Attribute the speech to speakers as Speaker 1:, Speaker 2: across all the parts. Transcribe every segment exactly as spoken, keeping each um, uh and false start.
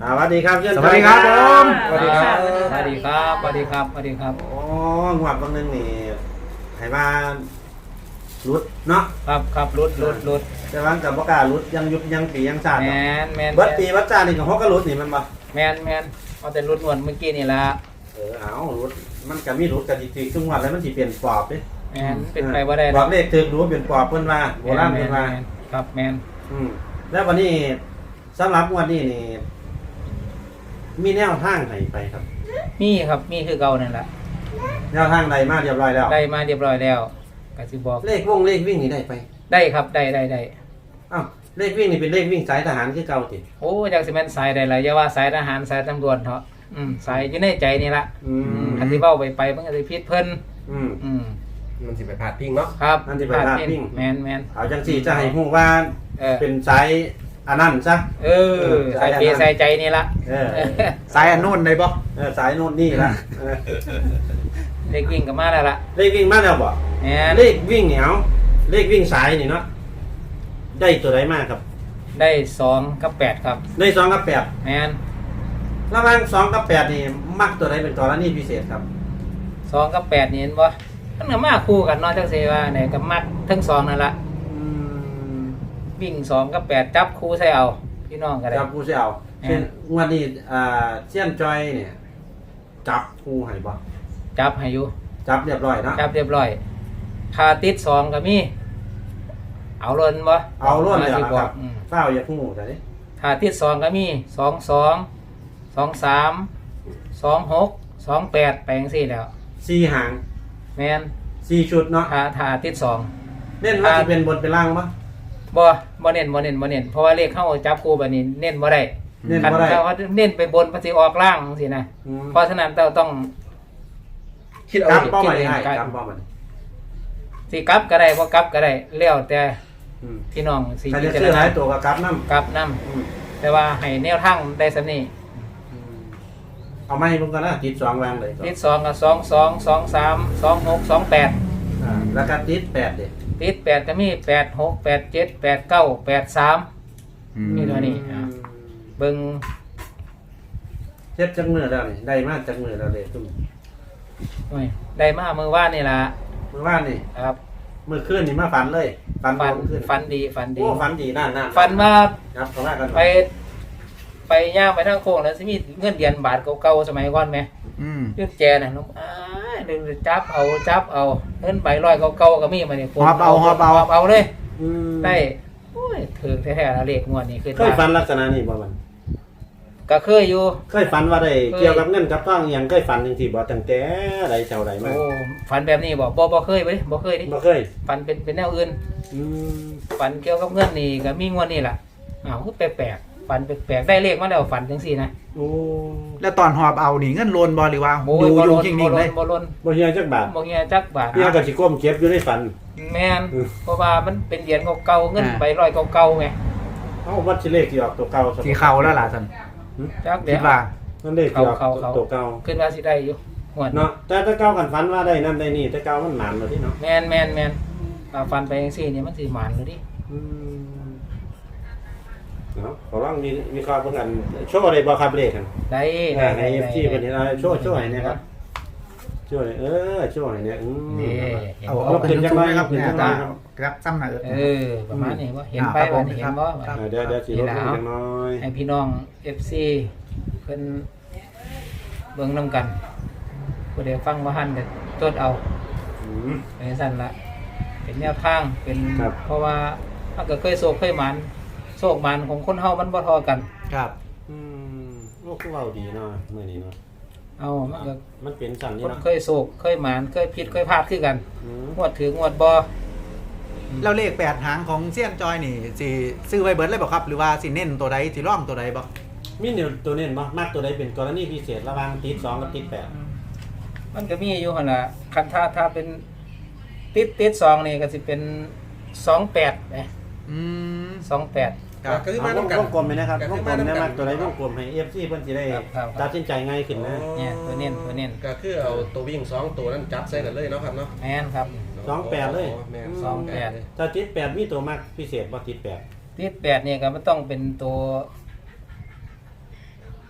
Speaker 1: สวัสดีครับเพื่อน
Speaker 2: สวัสดีครับผม
Speaker 1: สวัสดีครับ
Speaker 3: สวัสดีครับสวัสดีครับสวัสดีครับ
Speaker 1: โอ้งวดบางนึงนี่ให้มารุดเนาะ
Speaker 3: ครับครับรุดรุดรุด
Speaker 1: แต่ว่ากับประกล้าศรุดยังยุบยังปียังชาติ
Speaker 3: แมนแมน
Speaker 1: วัดปีวัดชาตินี่กับฮอกก็รุดนี่มันบ่
Speaker 3: แมนแมนเอาแต่รุดนวลเมื่อกี้นี่ละ
Speaker 1: เออเอารุดมันก็มีรุดกันจริงๆทุกงวดแล้วมันสิเปลี่ยนปอบเด้
Speaker 3: แมนเป็นไปว่าได้
Speaker 1: บอกเลขถึกรู้ว่าเปลี่ยนปอบเพิ่นว่าโบราณเพิ่นว่า
Speaker 3: แมนครับแมน
Speaker 1: อืมแล้ววันนี้สำหรับงวดนี้นี่มีแนวทางให้ไปครับ
Speaker 3: มีครับมีคือเก่านั่นแหละ
Speaker 1: แนวทางใดมาเรียบร้อยแล้ว
Speaker 3: ได้มาเรียบร้อยแล้วก็สิบอก
Speaker 1: เลขวงเลขวิ่งนี่ได้ไป
Speaker 3: ได้ครับได้ได้ได้
Speaker 1: อ้าวเลขวิ่งนี่เป็นเลขวิ่งสายทหารคือเก่าติ
Speaker 3: โอ้จากสิแม่นสายใดล่ะอย่าว่าสายทหารสายตำรวจเถอะอืมสายอยู่ในใจนี่ละ
Speaker 1: อืม
Speaker 3: คันสิเว้าไปไปมันก็สิผิดเพิ่น
Speaker 1: อืม
Speaker 3: อืม
Speaker 2: มันสิไปพาดพิงเนาะ
Speaker 3: ครับ
Speaker 1: อันที่ไปพาดพิง
Speaker 3: แมนแมน
Speaker 1: เอาจังสี่จะให้ฮู้ว่า
Speaker 3: เออ
Speaker 1: เป็นสายอันนั้นซะ
Speaker 3: เออสายเปสายใจนี่ละ
Speaker 1: เออ
Speaker 2: สายอันนู้นได้บ่
Speaker 1: เออสายโน่นนี่ละเออ
Speaker 3: เด็กวิ่งก็มาแล้วล่ะ
Speaker 1: เลขวิ่งมาแล้วบ่
Speaker 3: แมน
Speaker 1: เลขวิ่งเหนียวเลขวิ่งสายนี่เนาะได้ตัวใดมากครับ
Speaker 3: ได้สองกับแปดครับ
Speaker 1: ได้สองกับแปด
Speaker 3: แมน
Speaker 1: ระหว่างสองกับแปดนี่มักตัวใดเป็นกรณีพิเศษครับ
Speaker 3: สองกับแปดนี่เห็นบ่มันก็มาคู่กันเนาะจังซี่ว่าเนี่ยก็มักทั้งสองนั่นละ
Speaker 1: อืม
Speaker 3: วิ่งสองกับแปดจับคู่ใส่เอาพี่น้องก็ได้
Speaker 1: จับผู้เสี่ยว
Speaker 3: แม่น
Speaker 1: เช่นงวันนี้อ่าเซียนจอยเนี่ยจับผู้ให้บ่
Speaker 3: จับให้อยู่
Speaker 1: จับเรียบร้อยเนาะ
Speaker 3: จับเรียบร้อยพาติดสองก็มีเอาล้นบ่
Speaker 1: เอาล้วนเลย
Speaker 3: สิ
Speaker 1: นะ
Speaker 3: บ
Speaker 1: ค
Speaker 3: อ
Speaker 1: รั
Speaker 3: ก
Speaker 1: บ
Speaker 3: อืม
Speaker 1: เฝ้าอย่าพุ่งแต่นี้
Speaker 3: พาติดสองก็มีสองสองสองสามสองหกสองแปดไปจังซี่แล้ว
Speaker 1: สี่หาง
Speaker 3: แมน
Speaker 1: สี่ชุดเนาะ
Speaker 3: พาทาติดสอง
Speaker 1: เน้นว่าจะเป็นบนเป็นล่างปะ
Speaker 3: บ่บ่เน้นบ่เน้นบ่เน้นเพราะว่าเลขเข้าจับคู่แบบนี้เน้นบ่ได้
Speaker 1: เน้น
Speaker 3: คัน
Speaker 1: บ่ได้
Speaker 3: เขาเน้นไปบนมันสิออกล่างจังซี่นะ
Speaker 1: อืม
Speaker 3: เพราะฉะนั้นเราต้อง
Speaker 2: คิดเอา
Speaker 1: กลับ
Speaker 2: ดิ
Speaker 1: เป้าหมาย
Speaker 3: คิดเอง
Speaker 1: ให้
Speaker 3: กลับ
Speaker 1: กลับเป้าหมาย
Speaker 3: สิกลับก็ได้บ่กลับก็ได้แล้วแต่
Speaker 1: อืม
Speaker 3: พี่น้องสิ
Speaker 1: ใคร
Speaker 3: พิ
Speaker 1: จะ
Speaker 3: จาร
Speaker 1: ซื้อห
Speaker 3: ณา
Speaker 1: ลายตัวกับกลับน้ำ
Speaker 3: กลับนํ
Speaker 1: อืม
Speaker 3: แต่ว่าให้แนวทางได้ซำนี้
Speaker 1: อืมเอาไม่ลงกันนะติดสองวางเลย
Speaker 3: ติดสองก็สองสอง สองสาม สองหก สองแปด
Speaker 1: อ่าแล้วก็ติดแปดเด็ด
Speaker 3: ติดแปดก็มีแปดหก แปดเจ็ด แปดเก้า แปดสาม นี่ตัวนี้ อ่ะ เบิ่ง
Speaker 1: เช็ดจังมือแล้วนี่ได้มากจังมือแล้วเลยตุ้ม
Speaker 3: โอ้ยได้มามื้อวานนี่ล่ะ
Speaker 1: เมื่อวานนี่
Speaker 3: ครับ
Speaker 1: เมื่อคืนนี่มาฝันเลยฝัน
Speaker 3: ฝัน
Speaker 1: เมื่อคืน
Speaker 3: ฝันดีฝันดี
Speaker 1: โอ้ฝันดีนั่นนั่น
Speaker 3: ฝันว่า
Speaker 1: ครับขอแรกกัน
Speaker 3: ไปไปย่างไปทางโค้งแล้วสิมีเงินเหรียญบาทเก่าๆสมัยก่อนไหม
Speaker 2: อืม
Speaker 3: ยื่นแจน่ะน้องอ้ายเดินจับเอาจับเอาเงินใบร้อยเก่าๆก็มีมาเนี่ย
Speaker 2: หอบเอาหอบเอา
Speaker 3: หอบเอาเลย
Speaker 1: อืม
Speaker 3: ได้โอ้ยถือแท้ๆแล้วเลขงวดนี้คือ
Speaker 1: เคยฝันลักษณะนี้บ่มัน
Speaker 3: ก็เคยอยู่
Speaker 1: เคยฝันว่าได้
Speaker 3: เคย
Speaker 1: เกี่ยวกับเงินกับทองอหย่างเคยฝันจังซี่บ่ตั้งแต่ใดเท่าใดมา
Speaker 3: โอ้ฝันแบบนี้บ่บ่บ่เคยเว้ยบ่เคยดิ
Speaker 1: บ่เคย
Speaker 3: ฝันเป็นเป็นแนวอื่น
Speaker 1: อืม
Speaker 3: ฝันเกี่ยวกับเงินนี่ก็มีงวดนี้ล่ะอ้าวคือแปลกๆฝันแปลกๆได้เลขมาแล้วฝันจังซี่นะ
Speaker 1: โอ้
Speaker 2: แล้วตอนหอบเอานี่เงินโลนบ่หรือว่า
Speaker 3: โอ้
Speaker 2: ดู
Speaker 3: ยบ่
Speaker 2: อยู่
Speaker 3: ล้น
Speaker 2: จริง
Speaker 3: บ่
Speaker 2: ๆเล
Speaker 3: ล้น
Speaker 2: ย
Speaker 3: บ่ล้น
Speaker 1: บ่เฮียจักบาท
Speaker 3: บ่เฮียจักบาท
Speaker 1: เฮียก็สิก้มเก็บอยู่ในฝัน
Speaker 3: แม่น
Speaker 1: อืม
Speaker 3: เพราะว่ามันเป็นเหรียญเก่าๆเงินใบร้อยเก่าๆไง
Speaker 1: เอ้าวัดสิเลขที่ออกตัวเก่าซะ
Speaker 2: สีเข้าแล้วล่ะท่าน
Speaker 3: จักเดี๋
Speaker 2: คิ
Speaker 3: ย
Speaker 2: ด
Speaker 3: ว
Speaker 2: ว่า
Speaker 1: นั่นเลขที่ออก
Speaker 3: เข้าเข้า
Speaker 1: ตัวเก่า
Speaker 3: ขึ้นว่าสิได้อยู่หวด
Speaker 1: เนาะแต่ถ้าเก่ากันฝันว่าได้นั่นได้นี่แต่เก่ามันหมานเลยที่เนาะ
Speaker 3: แมนแมนแมนอ่าฟันไปจังซี่เนี่ยมันสิหมานเลยดิ
Speaker 1: อืมเนาะขอลองมีมีข้อเพิ่นกันโชว์ได้บ่ครับเลขกัน
Speaker 3: ได้
Speaker 1: ให้
Speaker 3: ได้
Speaker 1: ให้
Speaker 3: ได้
Speaker 1: เอฟซีเพิ่นเห็นเอาโชว์โชว์ให้เนะครับโชว์ให้เออโชว์ให้เนี่ยอืม
Speaker 3: นี่
Speaker 2: เอา
Speaker 1: เอา
Speaker 2: เอา
Speaker 1: ขึ้
Speaker 2: ขึ้
Speaker 1: น
Speaker 2: น
Speaker 1: จั
Speaker 2: จั
Speaker 1: ง
Speaker 2: ง
Speaker 1: หน่
Speaker 2: เล
Speaker 1: อย
Speaker 2: ย
Speaker 1: ค
Speaker 2: ค
Speaker 1: รั
Speaker 2: รั
Speaker 1: บบ ขึ้น
Speaker 2: เนี่ย
Speaker 1: จังหน่
Speaker 2: ตา
Speaker 1: อยครับ
Speaker 2: ครับซ้ำหน่อย
Speaker 3: เออประมาณนี้ว่าเห็นไป
Speaker 2: อ่าครับ
Speaker 3: วันนี้เห็นบ่
Speaker 2: ครับ
Speaker 1: อ่าเดี๋ยวเดี๋ยวสิล
Speaker 3: นี่
Speaker 1: ด
Speaker 3: แหละ
Speaker 1: ลง
Speaker 3: เอา
Speaker 1: จังน้อย
Speaker 3: ให้พี่น้อง เอฟ ซี เพิ่นเบิ่งนํกันผู้ใดฟังบ่ทันก็จดเอา
Speaker 1: อืม
Speaker 3: เป็นซั่นละเป็นแนวทางเป็น
Speaker 1: ครับ
Speaker 3: เพราะว่ามันก็เคยโศกเคยหมานโศกหมานของคนเฮามันบ่เทอกัน
Speaker 2: ครับ
Speaker 1: อืมโอ้คือเว้าดีเนาะมื้อนี้เนาะ
Speaker 3: เอามันก็
Speaker 1: มันเป็นสั่นนี่
Speaker 3: คน
Speaker 1: เนาะ
Speaker 3: เคยโศกเคยหมานเคยผิดเคยพลาดคือกัน
Speaker 1: อืม
Speaker 3: งวดถืองวดบ่
Speaker 2: แล้วเลขแปดหางของเซียนจอยนี่สิซื้อไว้เบิดเลยบ่ครับ หรือว่าสิเน้นตัวใดสิร่องตัวใดบ่
Speaker 1: มีแนวตัวเน้นบ่มักตัวใดเป็นกรณีพิเศษระหว่างติดสองกับติดแปด
Speaker 3: มันก็มีอยู่หั่นล่ะคันถ้าถ้าเป็นติดติดสองนี่ก็สิเป็นสองแปดนะ
Speaker 2: อืม
Speaker 3: สองแปด
Speaker 2: ครับ
Speaker 4: ก็คือ
Speaker 1: เอา
Speaker 4: มาว น้ำ
Speaker 1: ง
Speaker 4: กัน
Speaker 1: วงกลมไปนะครับ
Speaker 4: ก็
Speaker 1: ว
Speaker 4: คื
Speaker 1: ง
Speaker 4: อก
Speaker 1: ล
Speaker 4: มาม น้ำ
Speaker 1: ได้
Speaker 4: กั
Speaker 1: มาน กตัวใดวงกลมให้ เอฟ ซี เพิ่นสิได้
Speaker 3: ครับครับ
Speaker 1: ตัดสินใจง่ายขึ้นนะ
Speaker 3: เนี่ยตัวเน้นตัวเน้น
Speaker 4: ก็คือเอาตัววิ่งสองตัวนั้นจับใส่กันเลยเนาะครับเนาะ
Speaker 3: แม่นครับ
Speaker 1: สองแปดเลย
Speaker 4: แม่น
Speaker 3: สองแปด
Speaker 4: เลย
Speaker 1: ถ้าติดแปดมีตัวมากพิเศษบ่ติดแปด
Speaker 3: ติดแปดนี่ก็มันต้องเป็นตัว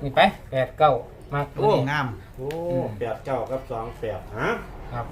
Speaker 3: นี่ไปแปดเก้ามากตัว
Speaker 2: โอ้
Speaker 3: นี้
Speaker 2: งาม
Speaker 1: โอ้แปดเก้ากับสองแปดฮะ
Speaker 3: ครับ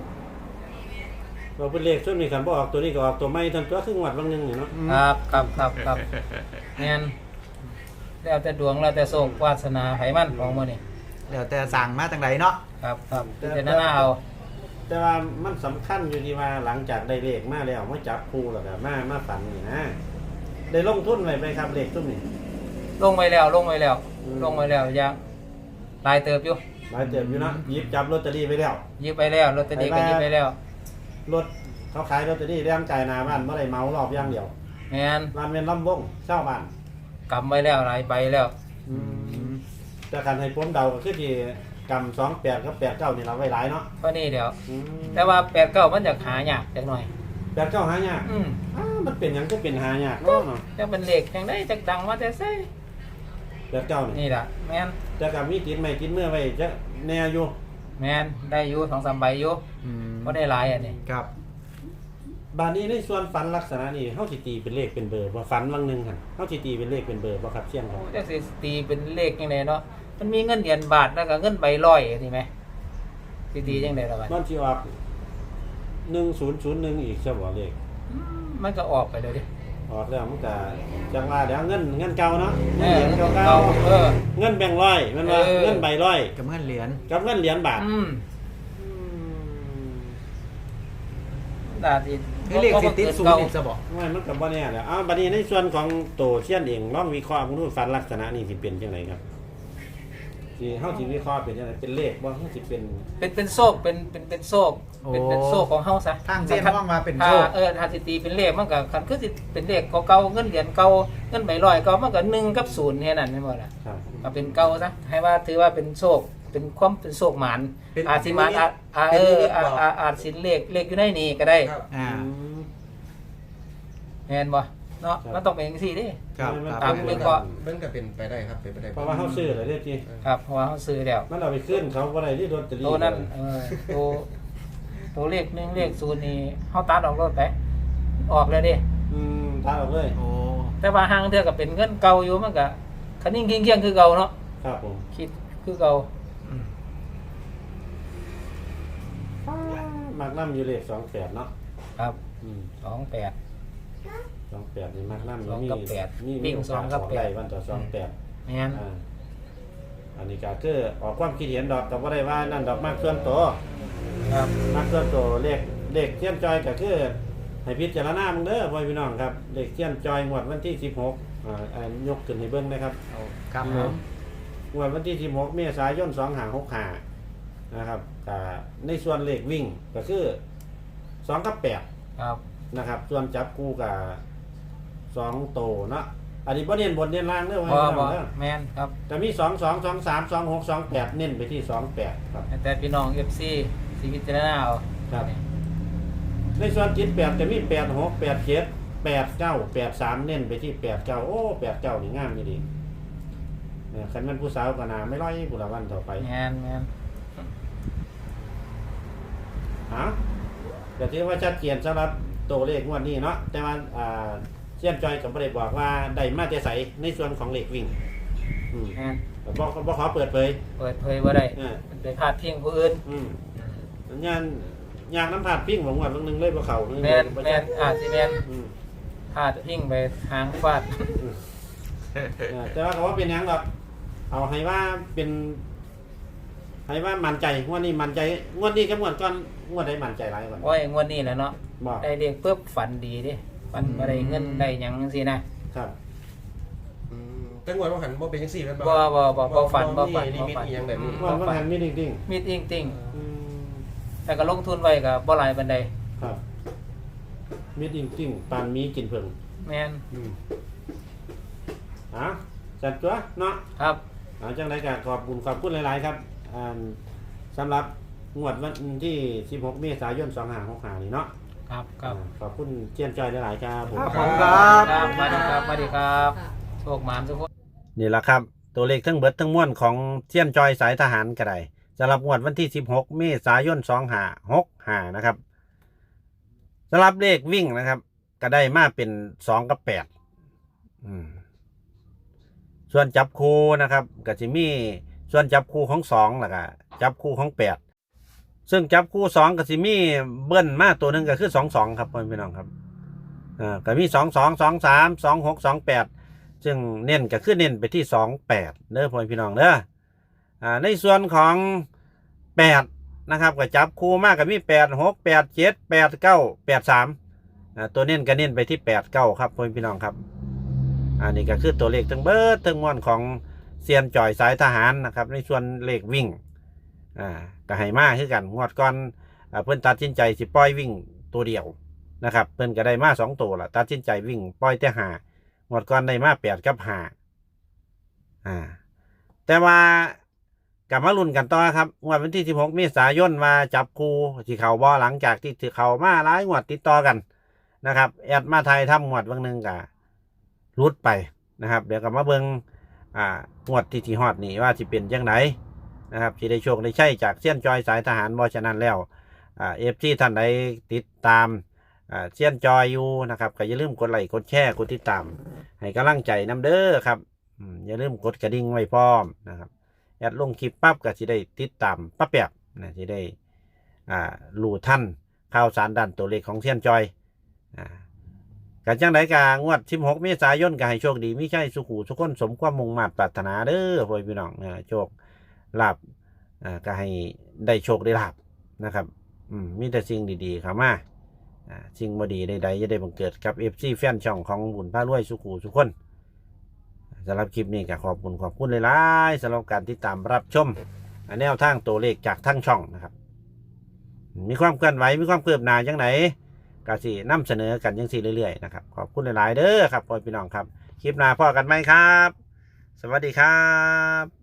Speaker 1: เราเป็นเลขส่วนนี้กันบ่ออกตัวนี้ก็ออกตัวไม่ทันตัวครึ่งวัดบางนึงนี่เนาะ
Speaker 3: ครับครับครับครับงั้นแล้วแต่ดวงแล้วแต่โชควาสนาไผมันของมื้อนี้
Speaker 2: เดี๋ยวแต่สั่งมาจังไดเนาะ
Speaker 3: ครับครับพิจารณาเอา
Speaker 1: แต่ว่ามันสำคัญอยู่ที่ว่าหลังจากได้เลขมาแล้วมาจับคู่แล้วก็มามาฝันนี่นะได้ลงทุนไว้ไหมครับเลขตุ้มนี่
Speaker 3: ลงไว้แล้วลงไว้แล้ว
Speaker 1: อืม
Speaker 3: ลงไว้แล้วยังหลายเติบอยู่
Speaker 1: หลายเติมอยู่เนาะหยิบจับลอตเตอรี่ไปแล้ว
Speaker 3: หยิบไปแล้วลอตเตอรี่ก็หยิบไปแล้ว
Speaker 1: รถเขาขายลอตเตอรี่เรื่องจ่ายหนาบ้านเมื่อไรเมารอบอย่างเดียว
Speaker 3: แม่น
Speaker 1: ร้านเป็นลำวงเช่าบ้าน
Speaker 3: กำไว้แล้วหลายใบแล้ว
Speaker 1: แต่การให้ผมเดาก็คือที่กำสองแปดกับแปดเก้านี่เราไว้หลายเนาะ
Speaker 3: เพราะนี่เดี๋ยว
Speaker 1: อืม
Speaker 3: แต่ว่าแปดเก้ามันจะหายากจักหน่อย
Speaker 1: แปดเก้าหายาก
Speaker 3: อืม
Speaker 1: อ้ามันเป็นหยังก็เป็นหายากเนาะเนาะ
Speaker 3: จะเป็นเลขจังได้จักดังมาแต่ไส
Speaker 1: แปดเก้านี่
Speaker 3: นี่ล่ะแม่น
Speaker 1: แต่กับมีติดไม่ติดเมื่อไว้จะแน่อยู่
Speaker 3: แม่นได้อยู่สองสามใบอยู่
Speaker 2: อืม
Speaker 3: บ่ได้หลายอันนี้
Speaker 2: ครับ
Speaker 1: บานนี้ในส่วนฝันลักษณะนี้เฮาสิตีเป็นเลขเป็นเบอร์บ่ฝันวังหนึงหั่นเฮาสิตีเป็นเลขเป็นเบอร์บ่ครับเสี่ยงครับ
Speaker 3: จักสิตีเป็นเลขจังไดเนาะมันมีเงินเหรียญบาทแล้วก็เงินใบร้อยนี่ไหมสิตีจังได๋ล่ะบัด
Speaker 1: มันสิออกหนึ่งศูนย์ศูนย์หนึ่งอีกใช่บ่เลข
Speaker 3: อืมมันก็ออกไปเลยดิ
Speaker 1: ออกแล้วมันก็จังว่าเดี๋ยวเงินเงินเก่าเนาะ
Speaker 3: เอ
Speaker 1: เงิน
Speaker 3: อ
Speaker 1: เหรียญเก่า
Speaker 3: เก่าเออ
Speaker 1: ๆเงินแบงค์ร้อยมันว่า
Speaker 3: เออ
Speaker 1: เงินใบร้อย
Speaker 2: กับเงินเหรียญ
Speaker 1: กับเงินเหรียญบาท
Speaker 3: อืมดาสิ
Speaker 2: คือเลขสิติดศูนย์อีกซะบ่
Speaker 1: ว่ามันกับบ่แน่แหล้วอ้าวบัดนี้ในส่วนของโตเชียนเองลองวิเคราะห์มึงดูฟันลักษณะนี้สิเป็นจังไดครับสิเฮาสิวิเคราะห์เป็นจังไดเป็นเลขบ่เฮาสิเป็น
Speaker 3: เป็นเป็นโซกเป็นเป็นเป็นโซกเป็นเป็นโซกของเฮาซะ
Speaker 2: ทางเส้นว่างมาเป็น
Speaker 3: ถ้า
Speaker 2: โชค
Speaker 3: เออถ้าสิตีเป็นเลขมันก็คันคือสิเป็นเลขเก่าๆเงินเหรียญเก่าเงินใบร้อยเก่ามันก็หนึ่งกับศูนย์แค่นั้นแม่นบ่ล่ะ
Speaker 1: ครับ
Speaker 3: ก็เป็นเก่าซะให้ว่าถือว่าเป็นโชคเป็นความเป็นโชคหมาน
Speaker 4: เป็น
Speaker 3: อาจสิหมานอาจอาเอออาอาอาจสิเลขเลขอยู่ในนี้ก็ได้
Speaker 4: ครับ
Speaker 2: อ่า
Speaker 3: แม่นบ่เนาะมันต้องเป็นจังซี่เด้
Speaker 2: ครับ
Speaker 3: ตามวิเคราะห์
Speaker 4: มันก็เป็นไปได้ครับเป็นไปได้
Speaker 1: เพราะว่าเฮาซื้อแล้วเด้อจิ
Speaker 3: ครับเพราะว่าเฮาซื้อแล้ว
Speaker 1: มันเอาไปขึ้นเขาบ่ได้ที่ลอตเตอรี่
Speaker 3: ตัวนั้นเออตัวตัวเลขหนึ่งเลขศูนย์นี่เฮาตัดออกรถไปออกเลยเดิ
Speaker 1: อืมตาออกเลย
Speaker 2: โอ้
Speaker 3: แต่ว่าห่างเทื่อก็เป็นเงินเก่าอยู่มันก็คันนิ่งเคียงๆคือเก่าเนาะ
Speaker 1: ครับผม
Speaker 3: คิดคือเก่า
Speaker 1: มักนำอยู่เลขสองแปดเนาะ
Speaker 3: ครับ
Speaker 1: อืม
Speaker 3: สองแปด
Speaker 1: สองแปดนี่มักนำ
Speaker 3: สองกับแปด
Speaker 1: มี
Speaker 3: วิ่
Speaker 1: มี
Speaker 3: ง
Speaker 1: โอกาส
Speaker 3: สองกับแปด
Speaker 1: ได้วันต่อสองแปด
Speaker 3: แม่น
Speaker 1: อ่าอันนี้ก็คือออกความคิดเห็นดอกก็บ่ได้ว่านั่นดอกมากส่วนตัว
Speaker 3: ครับ
Speaker 1: มากส่วนตัวเลขเลขเทียนจอยก็คือให้พิจารณามึงเด้อพ่อพี่น้องครับเลขเทียนจอยงวดวันที่สิบหกอ่าอ่ายกขึ้นให้เบิ่งนะครับ
Speaker 2: เอาครับผม
Speaker 1: งวดวันที่สิบหกเมษายนสองห้าหกห้านะครับก็ในส่วนเลขวิ่งก็คือสองกับแปด
Speaker 3: ครับ
Speaker 1: นะครับ ส่วนจับคู่กับสองโตเนาะอันนี้บ่เน้นบนเน้นล่างเด้อ
Speaker 3: บ่
Speaker 1: พ่อพี่น้
Speaker 3: บ่
Speaker 1: องเด้อ
Speaker 3: แม่นครับ
Speaker 1: แต่มีสองสองสองสามสองหกสองแปดเน้นไปที่สองแปดครับ
Speaker 3: แต่พี่น้อง เอฟ ซี สิพิจารณาเอา
Speaker 1: ครับในส่วนจิตแปดจะมีแปดหกแปดเจ็ดแปดเก้าแปดสามเน้นไปที่แปดเก้าโอ้แปดเก้านี่งามนี่ดีเนี่ยคันแมันผู้สาวก็นาไม่ร้อยผู้ละวันต่อไป
Speaker 3: แม่นแม่น
Speaker 1: ฮะแต่ที่ว่าชัดเจนสำหรับตัวเลขงวดนี้เนาะแต่ว่าอ่าเชียนจอยกับประเด็บอกว่าได้มาแต่ใสในส่วนของเลขวิ่งอืม
Speaker 3: แม่น
Speaker 1: แต่บ่บ่ขอเปิดเผย
Speaker 3: เปิดเผยบ่ได้
Speaker 1: เออ
Speaker 3: มันเป็นพาดพิงผู้อื่น
Speaker 1: อืมงานยางน้ำผาดปิ้งของงวดเบางหนึงเลยบ่เข้า
Speaker 3: แม่นแม่นอาจสิแม่น
Speaker 1: อืม
Speaker 3: พาดพิงไปทางฟาด
Speaker 1: เออแต่ว่าเขาว่าเป็นหยังดอกเอาให้ว่าเป็นให้ว่ามั่นใจงวดนี้มั่นใจงวดนี้กับงวดก่อนงวดใดมั่นใจหลายกว่า
Speaker 3: โอ้ยงวดนี้แหละเนาะ
Speaker 1: บอก
Speaker 3: ได้เรียกปุ๊บฝันดีดิฝันบ่ได้เงินได้หยังจังซี่นะครับ
Speaker 4: อืมแต่งวดว่าหันบ่เป็นจังซี่แม่น
Speaker 3: บ่บ่บ่บ่ฝันบ่ฝัน
Speaker 4: นิ
Speaker 3: บ่
Speaker 4: มิต
Speaker 3: ฝัน
Speaker 4: อีหยังแบบนี้
Speaker 1: งวดมันหันมีดิ่ง
Speaker 3: มีจริง
Speaker 1: ๆอืม
Speaker 3: ๆแต่ก็ลงทุนไว้ก็บ่หลายปานใด
Speaker 1: ครับมีดิ่งๆปานมีกินเพิ่ง
Speaker 3: แม่น
Speaker 1: อืมอ่ะจัดตัวเนาะ
Speaker 3: ครับ
Speaker 1: เอาจังไรก็ขอบคุณขอบคุณหลาย ๆ ครับอ่าสำหรับงวดวันที่สิบหกเมษายนสองห้าหกห้านี่เนาะ
Speaker 3: ครับครับ
Speaker 1: อ่าขอบคุณเจียนจอยหลาย ๆ ครับผม
Speaker 2: ครับผมครับ
Speaker 3: ครับสวัสดีครับสวัสดีครับโชคหมานทุกคน
Speaker 1: นี่แหละครับ ตัวเลขทั้งเบิดทั้งมวลของเทียนจอยสายทหารก็ได้สำหรับงวดวันที่สิบหกเมษายนสองห้าหกห้านะครับสำหรับเลขวิ่งนะครับ ก็ได้มาเป็นสองกับแปดอืมส่วนจับคู่นะครับก็จะมีส่วนจับคู่ของสองแล้วก็จับคู่ของแปดซึ่งจับคู่สองก็จะมีเบิ้ลมาตัวหนึ่งก็คือสองสองครับพี่น้องครับอ่าก็มีสองสองสองสามสองหกสองแปดซึ่งเน้นก็คือเน้นไปที่สองแปดเด้อพ่อพี่น้องเด้ออ่าในส่วนของแปดนะครับก็จับคู่มากก็มีแปดหกแปดเจ็ดแปดเก้าแปดสามอ่าตัวเน้นก็เน้นไปที่แปดเก้าครับพ่อพี่น้องครับอันนี้ก็คือตัวเลขทั้งเบิดทั้งมวลของเซียนจ่อยสายทหารนะครับในส่วนเลขวิ่งอ่าก็ให้มาคือกันงวดก่อนอ่าเพิ่นตัดสินใจสิปล่อยวิ่งตัวเดียวนะครับเพิ่นก็ได้มาสองตัวละตัดสินใจวิ่งปล่อยแต่หางวดก่อนได้มาแปดกับห้าอ่าแต่ว่ากลับมาลุ้นกันต่อครับงวดวันที่สิบหกเมษายนมาจับคู่ที่เขาบ่หลังจากที่ถือเขามาหลายงวดติดต่อกันนะครับแอดมาไทยทำงวดบางหนึ่งกะรุดไปนะครับเดี๋ยวกลับมาเบิ่งอ่างวดที่ที่ฮอดนี่ว่าสิเป็นจังไดนะครับที่ได้โชคได้ใช่จากเซียนจอยสายทหารบ่ฉะนั้นแล้วอ่าเอฟซีท่านใดติดตามอ่าเซียนจอยอยู่นะครับก็อย่าลืมกดไลค์กดแชร์กดติดตามให้กำลังใจนำเด้อครับอืมอย่าลืมกดกระดิ่งไว้พร้อมนะครับแอดลงคลิปปั๊บก็สิได้ติดตามปั๊บแบบนะสิได้อ่ารู้ทันข่าวสารด้านตัวเลขของเซียนจอยอ่ากันจังไดกางวดสิบหกเมษายนก็ให้โชคดีมิใช่สุขุสุขคนสมความมุ่งมา่ปรารถนาเด้อพ่อพี่น้องนะโชคลาภอ่าก็ให้ได้โชคได้ลาภนะครับอืมมีแต่สิ่งดีๆเข้ามาอ่าสิ่งบ่ดีใดๆจะได้บังเกิดกับ เอฟ ซี แฟนช่องของบุญพารวยสุขุสุขคนสำหรับคลิปนี้ก็ขอบคุณขอบคุณหลายๆสำหรับการติดตามรับชมแนวทางตัวเลขจากทั้งช่องนะครับมีความเคลื่อนไหวมีความคืบหน้าจังไหนก็สินำเสนอกันยังสี่เรื่อยๆนะครับขอบคุณหลายๆเด้อครับพ่อพี่น้องครับคลิปหน้าพ่อกันไหมครับสวัสดีครับ